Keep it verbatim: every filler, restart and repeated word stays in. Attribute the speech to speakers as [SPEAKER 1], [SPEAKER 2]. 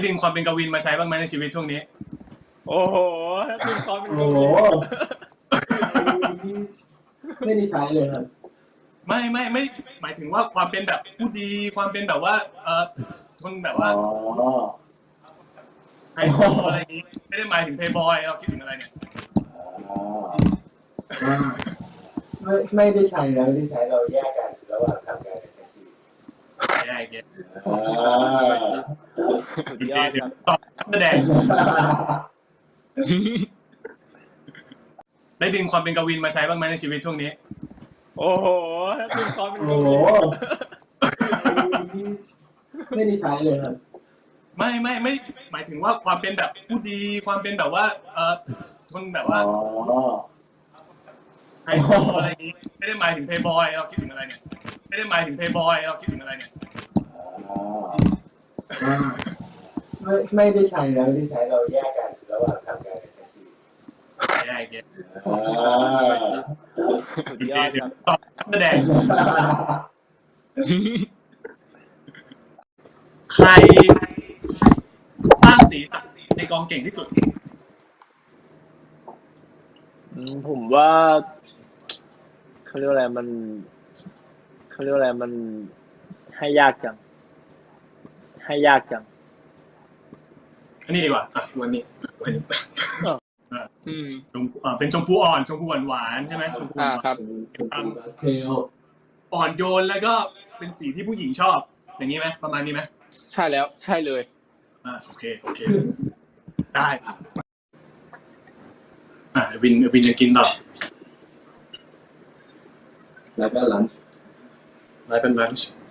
[SPEAKER 1] ดึงความเป็นกวินมาใช้บ้างไหมในชีวิตช่วงนี้
[SPEAKER 2] โอ้โหดึงความเป็นกวิน
[SPEAKER 3] ไม่ได้ใช้เลยครับ
[SPEAKER 1] ไม่ไม่ไม่หมายถึงว่าความเป็นแบบผู้ดีความเป็นแบบว่าเออคนแบบว่าไฮโซอะไรอย่างนี้ไม่ได้หมายถึงเพย์บอยเราคิดถึงอะไรเนี่ย
[SPEAKER 3] ไม่ไม่ได้ใช้แล้วไม่ได้ใช้เราแยกกันระหว่างทำงานกับใช้ชีวิต
[SPEAKER 1] แยกแยก
[SPEAKER 2] ยอดครับ
[SPEAKER 1] ตอบแสดงได้ดึงความเป็นกวินมาใช้บ้างไหมในชีวิตช่วงนี้
[SPEAKER 2] โอ้โหดึงความเป็นกวิน
[SPEAKER 3] ไม่ได้ใช้เลยครับ
[SPEAKER 1] ไม่ไม่ไม่หมายถึงว่าความเป็นแบบผู้ดีความเป็นแบบว่าเออคนแบบว่าไฮโซอะไรอย่างนี้ไม่ได้หมายถึงเพย์บอยเราคิดถึงอะไรเนี่ยไม่ได้หมายถึงเพย์บอยเราคิดถึงอะไรเนี่ย
[SPEAKER 3] ไม่ไม่ได้ใช้แล้วไม่ได้ใช้เราแยกกันระหว่างทำงานกับใช้ชีวิต
[SPEAKER 1] แยกแยก
[SPEAKER 2] ยอดครับ
[SPEAKER 1] ตอบแสดงใครสร้างสีสันในกองเก่งที่สุด
[SPEAKER 2] ผมว่าเขาเรียกอะไรมันเขาเรียกอะไรมันให้ยากจังให้ยากจัง
[SPEAKER 1] อันนี้ดีกว่าอ่ะวันนี้อืมอ่าเป็นชมพูอ่อนชมพูหวานหวานใช่ไหมชมพูอ่าครับ
[SPEAKER 3] เพล
[SPEAKER 1] อ่อนโยนแล้วก็เป็นสีที่ผู้หญิงชอบอย่างนี้ไหมประมาณนี้ไหม
[SPEAKER 4] ใช่แล้วใช่เลย
[SPEAKER 1] อ่าโอเคโอเคได้อ่าวินวินจะกินต่อ
[SPEAKER 3] แล้วก็ลันช์
[SPEAKER 1] แล้วเป็นลันช์